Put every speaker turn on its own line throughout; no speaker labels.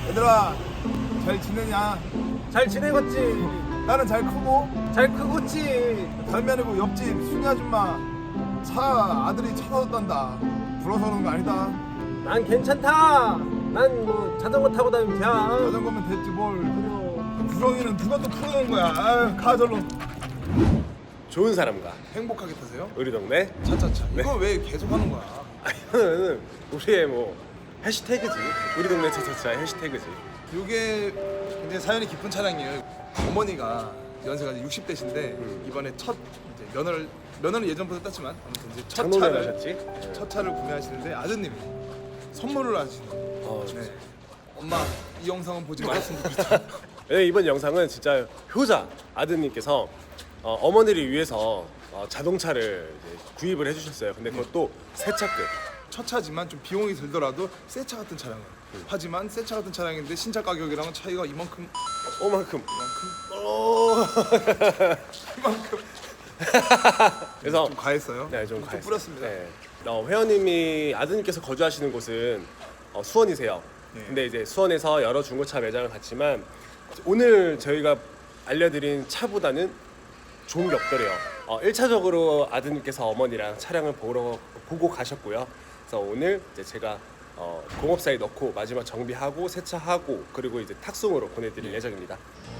얘들아 잘 지내냐?
잘 지내겠지?
나는 잘 크고
잘 크겠지?
다름이 아니고 옆집 순이 아줌마 차 아들이 차 사줬단다. 불어서 그런 거 아니다.
난 괜찮다. 난 뭐 자전거 타고 다니면 돼.
자전거면 됐지 뭘. 구렁이는 누가 또 풀어놓은 거야. 아유 가 절로.
좋은 사람과
행복하게 타세요?
우리 동네
차차차.
네.
이거 왜 계속 하는 거야?
이거는 우리의 뭐 해시태그지. 우리 동네 차차차 해시태그지.
이게 굉장히 사연이 깊은 차량이에요. 어머니가 연세가 이제 60대신데 이번에 첫 이제 면허를 예전부터 땄지만 아무튼 이제 첫
장롱을
차를
하셨지?
첫 차를 구매하시는데 아드님이 선물을 하시는. 네. 엄마 이 영상은 보지 말았으면 좋겠다.
네, 이번 영상은 진짜 효자 아드님께서 어머니를 위해서 자동차를 이제 구입을 해주셨어요. 근데 그것도 새 차급.
첫 차지만 좀 비용이 들더라도 새 차 같은 차량을. 하지만 새 차 같은 차량인데 신차 가격이랑은 차이가 이만큼
오만큼.
이만큼
그래서
좀 과했어요.
네, 좀 과했어요.
뿌렸습니다.
네. 회원님이 아드님께서 거주하시는 곳은 수원이세요.
네.
근데 이제 수원에서 여러 중고차 매장을 갔지만 오늘 저희가 알려드린 차보다는 좋은 게 없더래요. 1차적으로 아드님께서 어머니랑 차량을 보고 가셨고요. 그래서 오늘 이제 제가 공업사에 넣고 마지막 정비하고 세차하고 그리고 이제 탁송으로 보내드릴 예정입니다.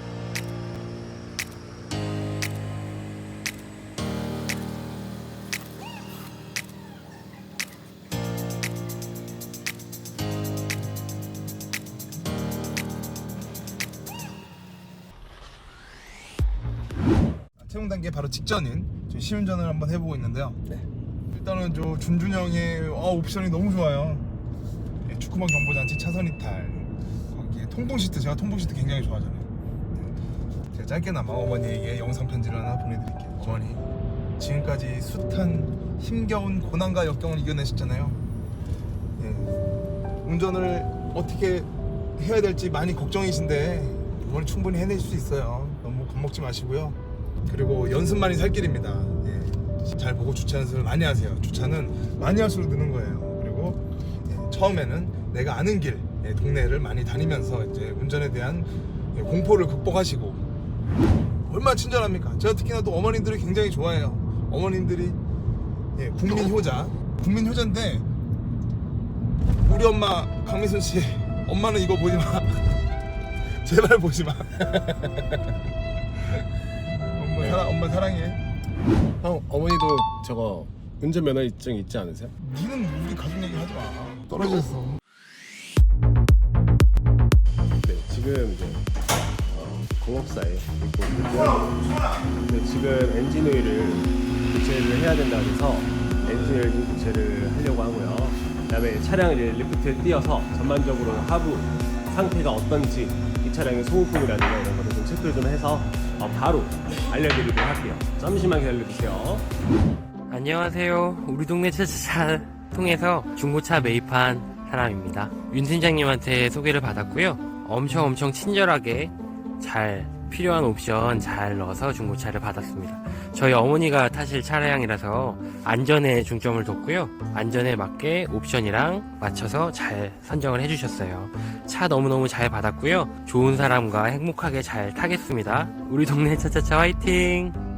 채용 단계 바로 직전인 저 시운전을 한번 해보고 있는데요.
네.
일단은 저 준준이 형의 옵션이 너무 좋아요. 예, 축구만 경보장치 차선 이탈, 거기에 통풍 시트, 제가 통풍 시트 굉장히 좋아하잖아요. 네. 제가 짧게나마 어머니에게 영상 편지를 하나 보내드릴게요. 어머니, 지금까지 숱한 힘겨운 고난과 역경을 이겨내셨잖아요. 예, 운전을 어떻게 해야 될지 많이 걱정이신데 이건 충분히 해낼 수 있어요. 너무 겁먹지 마시고요. 그리고 연습만이 살 길입니다. 예, 잘 보고 주차 연습을 많이 하세요. 주차는 많이 할수록 느는 거예요. 그리고 처음에는 내가 아는 길, 동네를 많이 다니면서 이제 운전에 대한 공포를 극복하시고. 얼마나 친절합니까? 제가 특히나 또 어머님들을 굉장히 좋아해요. 어머님들이 국민 효자, 국민 효자인데 우리 엄마 강미순 씨, 엄마는 이거 보지 마. 제발 보지 마. 엄마 사랑해.
형, 어머니도 저거 운전면허증 있지 않으세요?
니는 우리 가족 얘기 하지 마. 떨어졌어.
네, 지금 이제 공업사에 있고 있고요. 근데 지금 엔진 오일을 교체를 해야 된다 해서 엔진 오일 교체를 하려고 하고요. 그다음에 차량 이제 리프트에 띄어서 전반적으로 하부 상태가 어떤지 이 차량의 소모품이라든가 이런 것들 좀 체크를 좀 해서 바로 알려드리도록 할게요. 잠시만 기다려주세요.
안녕하세요. 우리 동네 차차차 통해서 중고차 매입한 사람입니다. 윤 팀장님한테 소개를 받았고요. 엄청 친절하게 잘 필요한 옵션 잘 넣어서 중고차를 받았습니다. 저희 어머니가 타실 차량이라서 안전에 중점을 뒀고요. 안전에 맞게 옵션이랑 맞춰서 잘 선정을 해주셨어요. 차 너무너무 잘 받았고요. 좋은 사람과 행복하게 잘 타겠습니다. 우리 동네 차차차 화이팅!